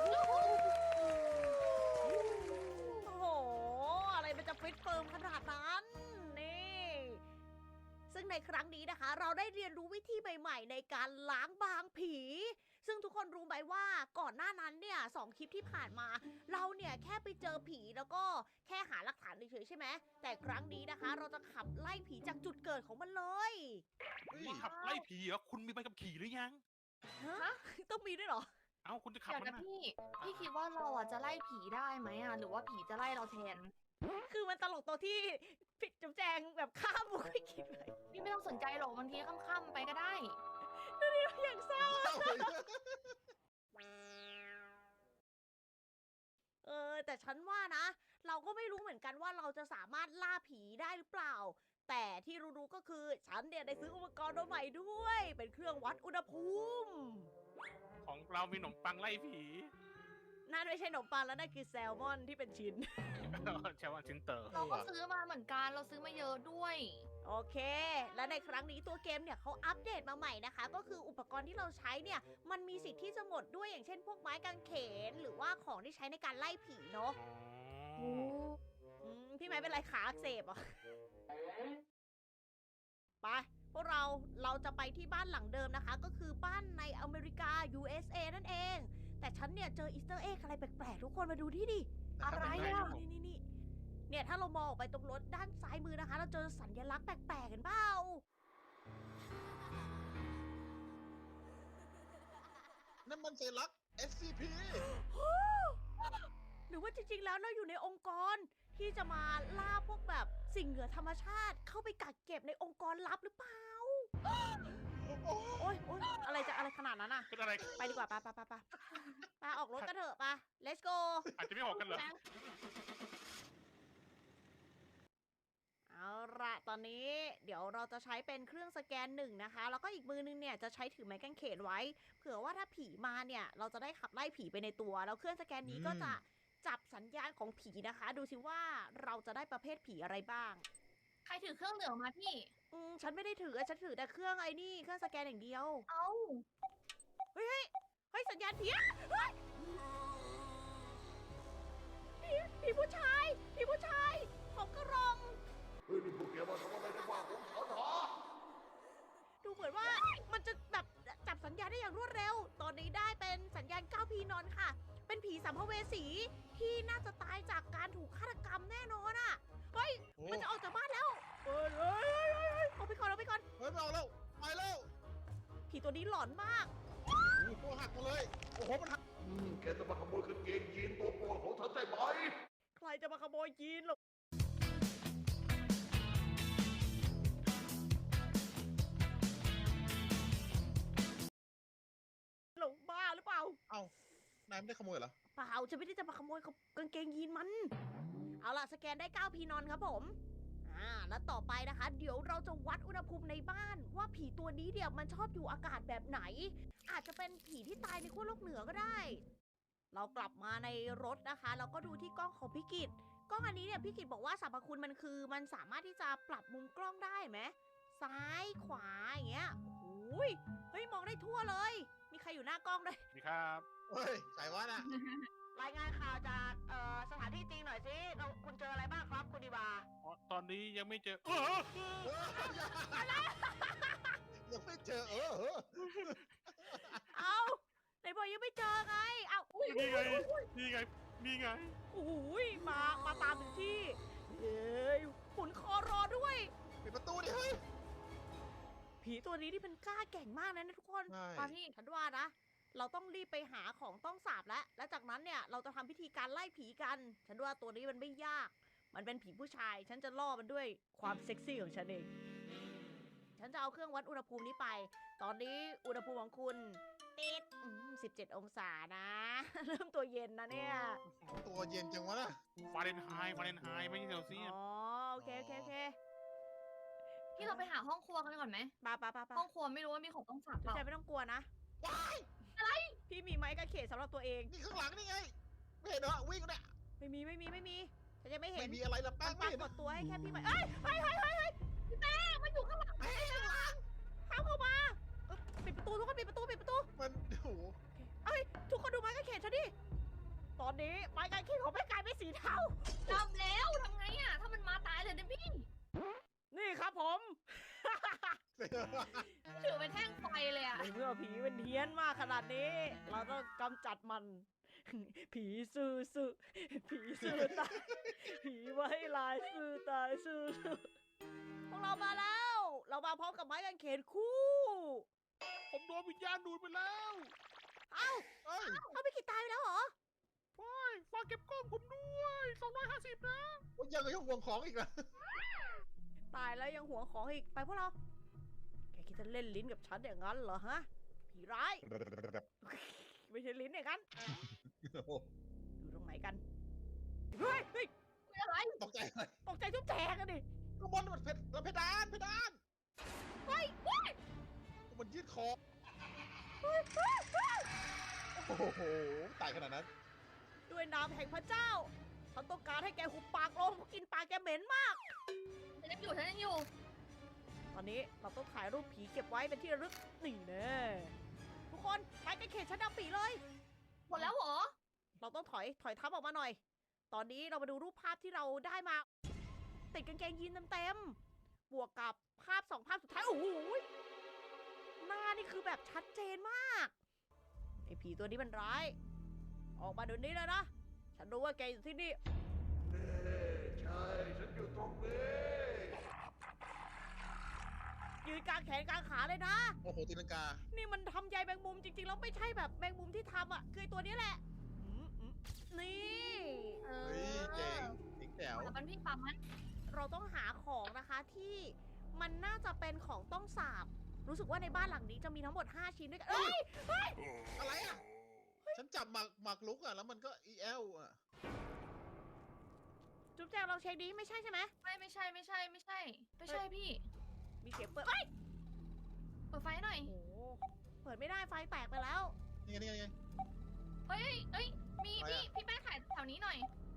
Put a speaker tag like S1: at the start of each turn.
S1: โอ้โหอะไรมันจะฟิตเฟิร์มขนาดนั้นนี่ซึ่งในครั้งนี้นะคะ เราได้เรียนรู้วิธีใหม่ๆในการล้างบางผี ซึ่งทุกคนรู้ไหมว่าก่อนหน้านั้นเนี่ย2 คลิปที่ผ่านมา เราเนี่ยแค่ไปเจอผีแล้วก็แค่หาหลักฐานเฉยๆใช่ไหมแต่ครั้งนี้นะคะ เราจะขับไล่ผีจากจุดเกิดของมันเลย
S2: ขับไล่ผีเหรอคุณมีใบขับขี่หรือยัง
S1: ฮะต้องมีด้วยเหรอ
S2: เอ้าคุณจะขับ
S3: เดี๋ยว
S2: มัน
S3: นะ
S2: นะ
S3: พี่คิดว่าเราอ่ะจะไล่ผีได้ไหมอ่ะหรือว่าผีจะไล่เราแทน
S1: คือมันตลกตัวที่ผิดจุ๊บแจงแบบข้ามมุกไม่คิดเลย
S3: พี่ไม่ต้องสนใจหรอกบางทีค่ำๆไปก็ได้
S1: อย่างเศร้าแต่ฉันว่านะ เราก็ไม่รู้เหมือนกันว่าเราจะสามารถล่าผีได้หรือเปล่า แต่ที่รู้ๆก็คือฉันเนี่ยได้ซื้ออุปกรณ์ตัวใหม่ด้วย เป็นเครื่องวัดอุณหภูมิ
S2: ของเรามีขนมปังไล่ผี
S1: นั่นไม่ใช่ขนมปังแล้วนั่นคือแซลมอนที่เป็นชิ้น
S2: ใช่ว่าชิ้นเตอร์
S3: เราก็ซื้อมาเหมือนกันเราซื้อมาเยอะด้วย
S1: โอเค และในครั้งนี้ตัวเกมเนี่ยเขาอัปเดตมาใหม่นะคะ ก็คืออุปกรณ์ที่เราใช้เนี่ย มันมีสิทธิ์ที่จะหมดด้วยอย่างเช่นพวกไม้กางเขน หรือว่าของที่ใช้ในการไล่ผีเนาะพี่ไม้เป็นไรขาอักเสบเหรอ่ะ ไป พวกเราจะไปที่บ้านหลังเดิมนะคะ ก็คือบ้านในอเมริกา USA นั่นเอง แต่ฉันเนี่ยเจออีสเตอร์เอ็กอะไรแปลกๆ ทุกคนมาดูที่ดิ
S3: อะไร
S1: นี่
S3: อ่ะ
S1: นี่เนี่ยถ้าเรามองออกไปตรงรถด้านซ้ายมือนะคะ เราเจอสัญลักษณ์แปลกๆกันเปล่า
S4: นั่นมันสัญลักษณ์ SCP
S1: หรือว่าจริงๆ แล้วเราอยู่ในองค์กรที่จะมาล่าพวกแบบสิ่งเหนือธรรมชาติ เข้าไปกักเก็บในองค์กรลับหรือเปล่า โอ๊ยอะไรขนาดนั้นอ่ะ
S2: เป็นอะไร
S1: ไปดีกว่าไปออกรถกันเถอะไป let's go
S2: อาจจะไม่ออกกันเหรอ
S1: เอาละตอนนี้เดี๋ยวเราจะใช้เป็นเครื่องสแกนหนึ่งนะคะ แล้วก็อีกมือนึงเนี่ยจะใช้ถือไม้กางเขนไว้ เผื่อว่าถ้าผีมาเนี่ยเราจะได้ขับไล่ผีไปในตัว แล้วเครื่องสแกนนี้ก็จะจับสัญญาณของผีนะคะ ดูสิว่าเราจะได้ประเภทผีอะไรบ้าง
S3: ใครถือเครื่องเหลืองมาพี่
S1: ฉันไม่ได้ถือฉันถือแต่เครื่องไอ้นี่เครื่องสแกนอย่างเดียว
S3: เอ้า
S1: เฮ้ยสัญญาณผีอะเฮ้ยผีผู้ชายผมกระรอง
S4: เฮ้ยนี่พวกแกมาทำอะไรในบ้านของฉันหรอ
S1: ดูเหมือนว่ามันจะแบบจับสัญญาณได้อย่างรวดเร็ว ตอนนี้ได้เป็นสัญญาณ9พีนอนค่ะ เป็นผีสัมภเวสีที่น่าจะตายจากการถูกฆาตกรรมแน่นอนอ่ะ เฮ้ย มันจะออกจากบ้านแล้วเฮ้ยเอาไปก่อน
S4: เฮ้ยไม่เอาแล้วไปแล้ว
S1: ผีตัวนี้หลอนมาก
S4: ตัวหักมาเลย โอ้โหมันหักแกจะมาขโมยกางเกงยีนตัวโปรดของฉันใช่ไหม
S1: ใครจะมาขโมยยีนหรอหลงบ้าหรือเปล่า
S4: เอ้านายไม่ได้ขโมยเหรอ
S1: เปล่าฉันไม่ได้จะมาขโมยกางเกงยีนมัน เอาล่ะสแกนได้9พีนอนครับผม แล้วต่อไปนะคะ เดี๋ยวเราจะวัดอุณหภูมิในบ้าน ว่าผีตัวนี้เดี๋ยวมันชอบอยู่อากาศแบบไหน อาจจะเป็นผีที่ตายในขั้วโลกเหนือก็ได้ เรากลับมาในรถนะคะแล้วก็ดูที่กล้องของพี่กิตกล้องอันนี้เนี่ยพี่กิตบอกว่าสรรพคุณมันคือมันสามารถที่จะปรับมุมกล้องได้ไหมซ้ายขวาอย่างเงี้ยโอ้ยเฮ้ยมองได้ทั่วเลย มีใครอยู่หน้ากล้องด้วย
S2: ดีครับ
S4: เฮ้ยใส่ว่าน่ะ
S1: รายงานข่าวจากสถานที่จริงหน่อยสิคุณเจออะไรบ้างครับคุณดีบา
S2: อ๋อตอนนี้ยังไม่เจอ
S4: ยังไม่เจอ
S1: เอาไหนบอกยังไม่เจอไงเอา
S2: นี่ไง นี่ไง
S1: โอ้ยมาตามถึงที่เฮ้ยหมุนคอรอด้วย
S4: ปิดประตูดิเฮ้ย
S1: ผีตัวนี้ที่มันกล้าแกร่งมากนะทุกคน
S4: ใช่
S3: มาพี่
S1: ฉันว่านะ เราต้องรีบไปหาของต้องสาบแล้วจากนั้นเนี่ยเราจะทำพิธีการไล่ผีกัน ฉันว่าตัวนี้มันไม่ยาก มันเป็นผีผู้ชาย ฉันจะล่อมันด้วยความเซ็กซี่ของฉันเอง ฉันจะเอาเครื่องวัดอุณหภูมินี้ไป ตอนนี้อุณหภูมิของคุณติด17 องศานะ เริ่มตัวเย็นนะเนี่ย
S4: ตัวเย็นจังวะน่ะ
S2: ฟาเรนไฮต์ไม่ใช่เซลเซียส
S1: อ๋อโอเค
S3: พี่เราไปหาห้องครัวกันก่อนไหม
S1: ปา
S3: ห้องครัวไม่รู้ว่ามีของต้องสับเปล่า
S1: ใจไม่ต้องกลัวนะ
S4: ว้าย
S1: พี่มีไม้กางเขนสำหรับตัวเอง
S4: นี่ข้างหลังนี่ไง ไม่เห็นเหรอวิ่งเนี่ย
S1: ไม่มีฉันจะไม่เห็
S4: ไม่
S1: น
S4: มีอะไรละแป้
S1: มั
S4: ง
S1: น
S4: ไม่
S1: ปรา
S4: เห็น
S1: กฏตัวให้แค่พี่ไม้เอ้ยพี่แป้งมันอยู่ข้างหลัง
S4: เฮ้ยข้างหลัง
S1: ห้ามเข้ามาปิดประตูทุกคนปิดประตู
S4: มันโอ้โห
S1: เอ้ยทุกคนดูไม้กางเขนฉันดิ
S3: ทำแล้วทำไงอ่ะ ถ้ามันมาตายเลยนะพี่
S1: นี่ครับผม
S3: ถือเป็นแท่งไฟเลยอ่ะ
S1: ในเมื่อผีมันเฮี้ยนมากขนาดนี้ เราต้องกำจัดมัน ผีซื่อซื่อผีซื่อตาย ผีไว้ลายซื่อตายซื่อซื่อพวกเรามาแล้ว เรามาพร้อมกับไม้กางเขนคู่
S2: ผมโดนวิญญาณดูดไปแล้ว
S1: เอ้า
S4: เอ้ย
S1: เอาไปกี่ตายไปแล้วเหรอ
S2: ฝากเก็บกล้องผมด้วย250นะ
S4: โอ้ยยังห่วงของอีกนะ
S1: ตายแล้วยังหัวงของอีก ไปพวกเรา แกคิดจะเล่นลิ้นกับฉันอย่างนั้นเหรอฮะ ผีร้าย ไม่ใช่ลิ้นอย่างนั้น อยู่ตรงไหนกัน เฮ้ยเฮ้ย
S3: อะไร
S4: ตกใจเลย
S1: ตกใจทุบแจกอะดิ
S4: ข้างบนมันเพดาน
S1: เฮ้ยเฮ้ย
S4: มันยืดคอ
S1: เฮ้ยเฮ้ยเฮ้ย
S4: โอ้โหตายขนาดนั้น
S1: ด้วยนามแห่งพระเจ้า ฉันต้องการให้แกหุบปากลงเพราะกินปากแกเหม็นมาก
S3: ฉันยังอยู่
S1: ตอนนี้เราต้องถ่ายรูปผีเก็บไว้เป็นที่ระลึก นี่แน่ทุกคนไปกันเขตชั้นดำปีเลย
S3: หมดแล้วเหรอ
S1: เราต้องถอยทับออกมาหน่อย ตอนนี้เรามาดูรูปภาพที่เราได้มา ติดกางเกงยีนเต็มๆบวกกับภาพ2 ภาพสุดท้าย โอ้โหหน้านี่คือแบบชัดเจนมาก ไอ้ผีตัวนี้มันร้าย ออกมาเดี๋ยวนี้เลยนะ ฉันรู้ว่าแกอยู่ที่นี่
S4: ใช่ ฉันอยู่ตรงนี้
S1: ยืนกลางแขนกลางขาเลยนะ
S4: โอ้โหตีลังกา
S1: นี่มันทำใยแมงมุมจริงๆแล้วไม่ใช่แบบแมงมุมที่ทำอ่ะคือไอ้ตัวนี้แหละนี่
S3: เอ
S4: เฮ้ย
S3: อ
S4: เจ๋งแจ๋ว
S3: แล้วมันพี่ปั๊มมัน
S1: เราต้องหาของนะคะที่มันน่าจะเป็นของต้องสาบ รู้สึกว่าในบ้านหลังนี้จะมีทั้งหมด5 ชิ้นด้วยกันเอ้ย
S4: อะไรอ่ะ ฉันจับหมากลุกอ่ะ แล้วมันก็ELอ่ะ
S1: จุ๊บแจงลองเช็คดีไม่ใช่ใช่ไหม
S3: ไม่ใช่พี่
S1: มีเสียงเปิดเอ้ย
S3: เปิดไฟหน่อย
S1: โอ้โหเปิดไม่ได้ไฟแตกไปแล้ว
S4: นี่ไง
S3: เฮ้ย มี
S4: ไฟอะ
S3: พี่แป้งถ่ายแถวนี้หน่อย